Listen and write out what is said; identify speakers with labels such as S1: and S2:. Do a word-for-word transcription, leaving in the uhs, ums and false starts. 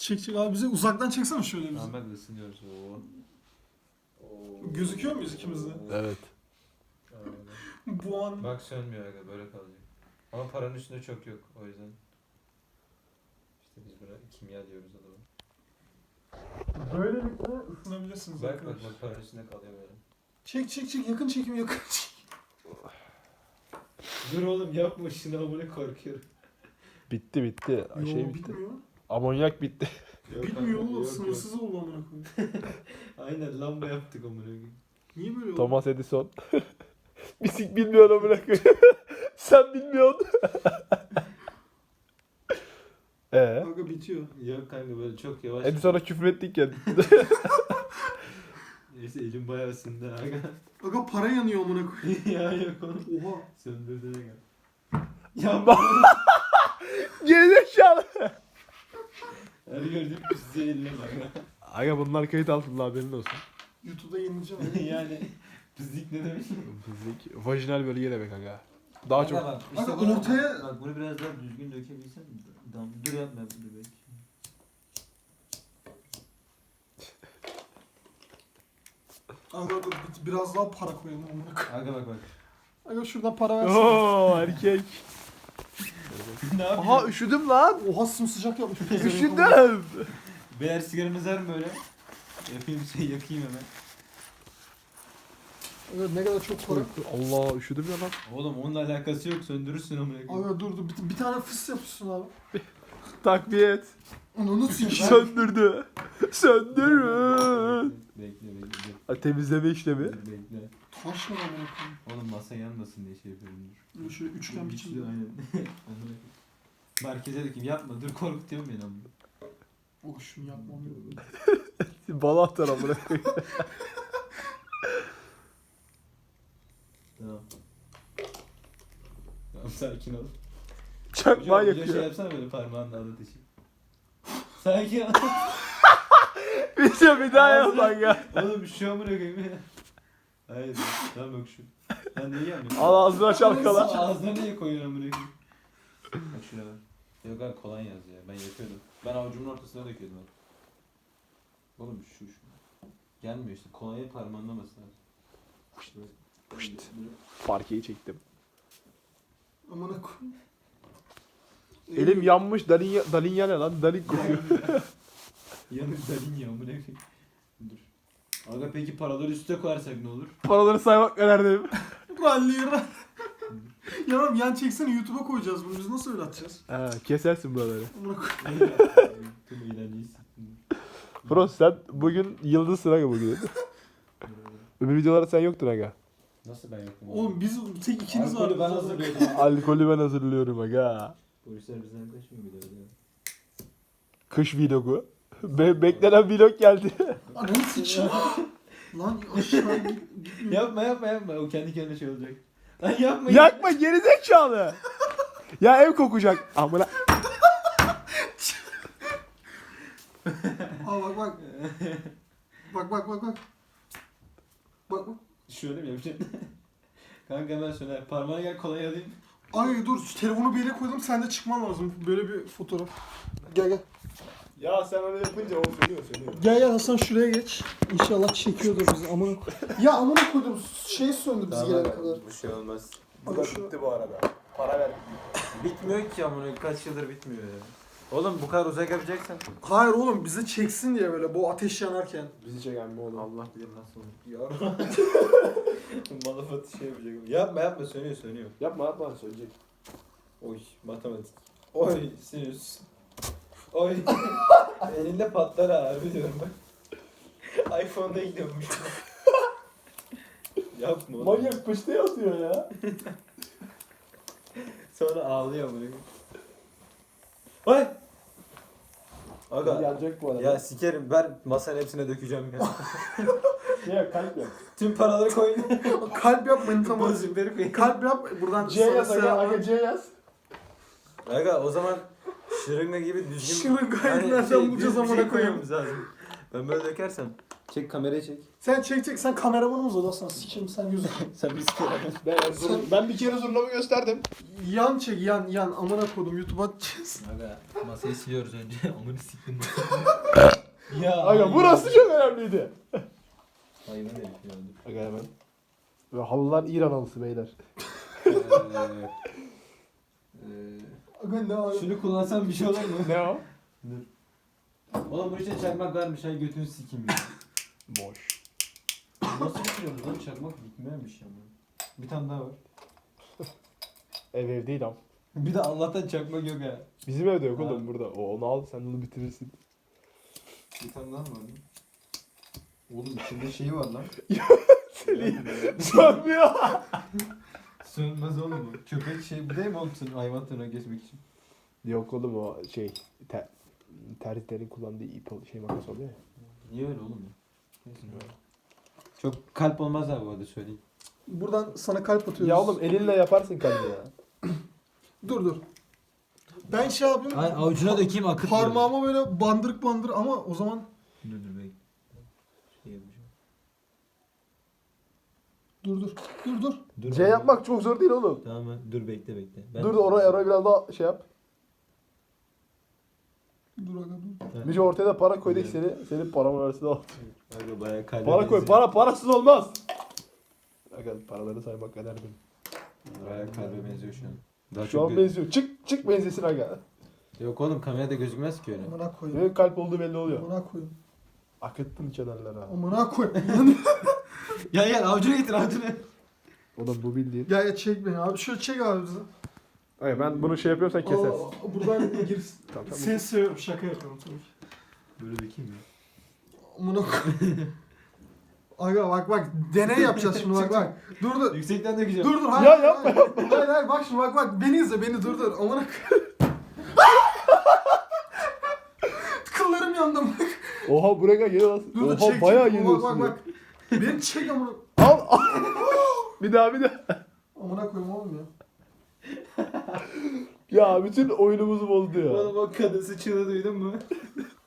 S1: Çek çek abi bize uzaktan çeksene şöyle bizi.
S2: Ahmet ısınıyoruz. Oo. Oo.
S1: Gözüküyor muyuz ikimiz de?
S3: Evet.
S1: Bu an
S2: Bak sönmüyor aga, böyle kalacak. Ama paranın üstünde çok yok, o yüzden. İşte biz buna kimya diyoruz adamı.
S1: böylelikle ısınabilirsiniz
S2: Bak bak
S1: arkadaşlar.
S2: bak, paranın üstünde kalıyor böyle.
S1: Çek çek çek yakın çekim yakın çekim.
S2: Dur oğlum yapma şunu, amına korkuyorum.
S3: Bitti bitti.
S1: Yo
S3: Şey bitti.
S1: bitmiyor.
S3: Amonyak bitti.
S1: Bitmiyor oğlum sınırsız oldu amına koyayım.
S2: Aynen lamba yaptık amına koyayım.
S1: Niye böyle oldu?
S3: Thomas Edison. Bisik bilmiyor amına koyayım. Sen bilmiyorsun. Ee,
S1: Kanka bitiyor.
S2: Yok kanka, böyle çok yavaş.
S3: Edison'a küfür ettik ya.
S2: Neyse elim bayağı ısındı aga.
S1: Aga para yanıyor amına koyayım.
S2: Ya yok oğlum.
S1: Oha.
S2: Söndürdü aga. Ya
S3: Gerizekalı.
S2: her gördüğüm size eline bak.
S3: Aga bunlar kayıt altında, haberin olsun.
S1: YouTube'da yayınlayacağım.
S2: Yani pislik ne demek?
S3: Fizik, vajinal bölge demek aga. Daha
S2: Aga
S3: çok.
S2: bak,
S1: Aga
S2: bunu-
S1: ortaya-
S2: Bak bunu biraz daha düzgün dökebilsen. Tamam, dur yapma bunu belki.
S1: Aga dur bir- biraz daha para koyalım amına koyayım.
S2: Aga bak bak.
S1: Aga şuradan para versene.
S3: Oo erkek.
S2: Ne yapıyorsun?
S3: Aha üşüdüm lan.
S1: Oha sımsıcak yapmış.
S3: Üşüdüm.
S2: Beyler sigaramız var mı böyle? Yapayım bir şey, yakayım hemen.
S1: Aga ne kadar çok para.
S3: Allah üşüdüm ya lan.
S2: Oğlum onunla alakası yok, söndürürsün amına koyayım.
S1: Aga dur dur bir, bir tane fıs yapıyorsun abi.
S3: Takviye et.
S1: Onu unutsun.
S3: Söndürdü. Söndürün.
S2: Bekle bekle bekle.
S3: Ha, temizleme işlemi.
S2: Dur, bekle.
S1: Taş ne amına koyayım.
S2: Oğlum masa yanmasın diye şey yapıyorum dur.
S1: Böyle şöyle üçgen
S2: Güçlü,
S1: biçimde.
S2: aynen. Amına koyayım. Merkeze dökeyim, yapma dur, korkutuyorsun beni amına.
S1: Oh şunu yapmam lazım.
S3: Bala atar amına koyayım.
S2: Tamam. Tamam, sakin ol.
S3: Çakma
S2: Hocam bir de şey
S3: yakıyor.
S2: yapsana, böyle parmağınla alıp işi. Sakin ol.
S3: Bir şey bir daha yap lan ya.
S2: Oğlum şu amına koyayım ya. Hayır, tamam yok şu. Lan neyi yapıyorsun?
S3: Al ağzına çalkala.
S2: Ağzına niye koyuyorsun amına koyayım? Bak şuraya bak. Yok abi, kolonya yaz ya. Ben yapıyordum. Ben avucumun ortasına döküyordum abi. Oğlum şu şu. Gelmiyor işte. Kolonya parmağınlaması lazım.
S3: Puşt, puşt. Parkeyi çektim.
S1: Amına koyayım.
S3: Elim yanmış. Dalin, dalin ya ne lan? Dalin kokuyor.
S2: Yanık dalin ya amına koyayım. Dur. Aga peki paraları üste koyarsak ne olur?
S3: Paraları saymak nerede?
S1: Lan lira. Ya oğlum yan çeksene YouTube'a koyacağız bunu. Biz nasıl öyle atacağız?
S3: Ha, kesersin buraları.
S1: Amına koyayım.
S2: Tüm iğrençliyiz.
S3: Frost sen bugün yıldızsın aga bugün. Öbür videolarda sen yoktun aga.
S2: Nasıl ben yokum?
S1: Oğlum biz tek ikiniz var.
S2: Alkolü ben hazırlıyordum.
S3: Alkolü ben hazırlıyorum aga.
S2: Polisler bizden kaçmıyor bir de öyle.
S3: Kış vlogu. Be beklenen vlog geldi.
S1: Ananı sıçayım. Lan aşağı git. gitmiyor.
S2: Yapma yapma yapma, o kendi kendine şey olacak. Lan yapma.
S3: Yakma gerizekalı. Ya ev kokacak. Amına.
S1: Aa bak bak. Bak bak bak bak. Bak bak.
S2: Şöyle mi yapacaksın? Kanka hemen söner. Parmağına gel, kolay alayım.
S1: Ay dur şu telefonu bir yere koydum sen de çıkman lazım. Böyle bir fotoğraf. Gel gel.
S3: Ya sen öyle yapınca o söylüyor söylüyor.
S1: Gel gel Hasan şuraya geç. İnşallah çekiyordur bizi. Amına koy. Ya amına koydum. Şey söndü biz gelene kadar.
S2: Bir şey olmaz.
S3: Bu da bitti bu arada. Para ver.
S2: Bitmiyor ki amına, kaç yıldır bitmiyor ya. Oğlum bu kadar uzak yapacaksan.
S1: Hayır oğlum bizi çeksin diye böyle bu ateş yanarken.
S3: Bizi çeken mi oğlum?
S2: Allah bilir nasıl olur. Ya. Malafatı şey yapacak. Yapma yapma, sönüyor sönüyor.
S3: Yapma yapma söyleyecek.
S2: Oy matematik. Oy sinüs. Oy. Elinde patlar ha, harbi diyorum bak. iPhone'da gidiyormuş. Yapma oğlum.
S3: Manyak pıştı yazıyor ya.
S2: Sonra ağlıyor bunu. Oy. Aga.
S3: Yanacak bu arada.
S2: Ya sikerim, ver masanın hepsine dökeceğim ya.
S3: Şey kalp yap.
S2: Tüm paraları koy.
S1: Kalp yap manita mı?
S2: Bozukları koy.
S1: Kalp yap buradan
S3: C yaz
S1: sana
S3: aga,
S1: selam.
S3: aga C yaz.
S2: Aga o zaman şırınga gibi düzgün...
S1: Şırıngayı nereden bulacağız
S2: düz bir
S1: amına
S2: şey
S1: koyayım?
S2: koymamız lazım. Ben böyle dökersem Çek kamerayı çek.
S1: Sen çek çek sen kameramanımız ol aslan sikeyim sen yüzü.
S2: Sen bir sikeyim.
S3: Ben, zor- ben bir kere zurnamı gösterdim.
S1: Yan çek yan yan amına kodum YouTube'a atacağız.
S2: Aga masayı siliyoruz önce. Amını siktim. ya.
S3: Aga burası çok önemliydi.
S2: Hayvan herif ya.
S3: Aga hemen. Ve halılar İran halısı beyler.
S2: Eee, eee,
S1: Aga ne abi?
S2: Şunu kullansam bir şey olur mu?
S3: Ne o?
S2: Dur. Oğlum bu işte çakmak varmış. Hay götünü sikeyim ya.
S3: Boş.
S2: Nasıl bitiriyoruz lan? Çakmak bitmemiş ya. Bir tane daha var.
S3: Ev ev değil am.
S2: Bir de Allah'tan çakmak yok ha.
S3: Bizim evde yok
S2: Ha.
S3: oğlum burada. O, onu al sen onu bitirirsin.
S2: Bir tane daha mı var lan? Oğlum içinde şeyi var lan.
S3: Sönmüyor.
S2: Sönmez oğlum bu. Köpek şey bu değil mi oğlum senin hayvan tırnağı kesmek için?
S3: Yok oğlum o şey ter, terzilerin kullandığı ip ol- şey makas oluyor ya.
S2: Niye öyle oğlum ya? Neyse. Çok kalp olmaz abi bu arada söyleyeyim.
S1: Buradan sana kalp atıyoruz.
S3: Ya oğlum elinle yaparsın kalbi ya.
S1: Dur dur. Ben şey yapayım.
S2: Ay avucuna dökeyim akıt.
S1: Parmağıma böyle bandırık bandır ama o zaman
S2: Dur dur bekle. Şey yapacağım.
S1: dur dur. Dur dur.
S2: Dur.
S3: C yapmak çok zor değil oğlum.
S2: Tamam ben- dur bekle bekle. Ben...
S3: Dur da oraya, oraya biraz daha şey yap.
S1: Dur aga dur.
S2: Ben-
S3: Bici ortaya da para koyduk
S2: Evet.
S3: seni. Senin paramın arasında al.
S2: Aga bayağı kalbe
S3: Para koy.
S2: benziyor.
S3: Para parasız olmaz. Aga paraları saymak kadar benim.
S2: Bayağı kalbe benziyor şu an. Daha
S3: Şu
S2: çok
S3: an
S2: gö-
S3: benziyor. Çık çık benzesin aga.
S2: Yok oğlum kamerada gözükmez ki öyle.
S1: Amına koyayım.
S3: Benim kalp olduğu belli oluyor.
S1: Amına koyayım.
S3: Akıttın kenarlara.
S1: Amına koyayım.
S2: Gel gel avucuna getir avucuna.
S3: Oğlum bu bildiğin.
S1: Gel ya çek beni abi. Şöyle çek abi bizi.
S3: Hayır ben bunu şey yapıyorsan kesersin.
S1: Aa, buradan gir.
S3: Tamam, tamam.
S1: Seni seviyorum. Şaka yapıyorum tabii ki.
S2: Böyle dökeyim mi?
S1: Amına koyayım. Aga bak bak deney yapacağız şimdi bak bak. Dur dur.
S2: Yüksekten dökeceğim.
S1: Dur dur hayır.
S3: Ya yapma,
S1: hayır, Hayır hayır bak şimdi bak bak beni izle beni dur dur. Amına koyayım. Kıllarım yandı bak.
S3: Oha buraya gel lan.
S1: Dur dur
S3: Oha
S1: çek.
S3: bayağı
S1: çek.
S3: geliyorsun.
S1: Bak bak
S3: ya.
S1: bak. Beni çek amına.
S3: Al al. bir daha bir daha.
S1: Amına koyayım oğlum ya.
S3: Ya bütün oyunumuzu bozdu ya.
S2: Oğlum o kadın sıçığını duydun mu?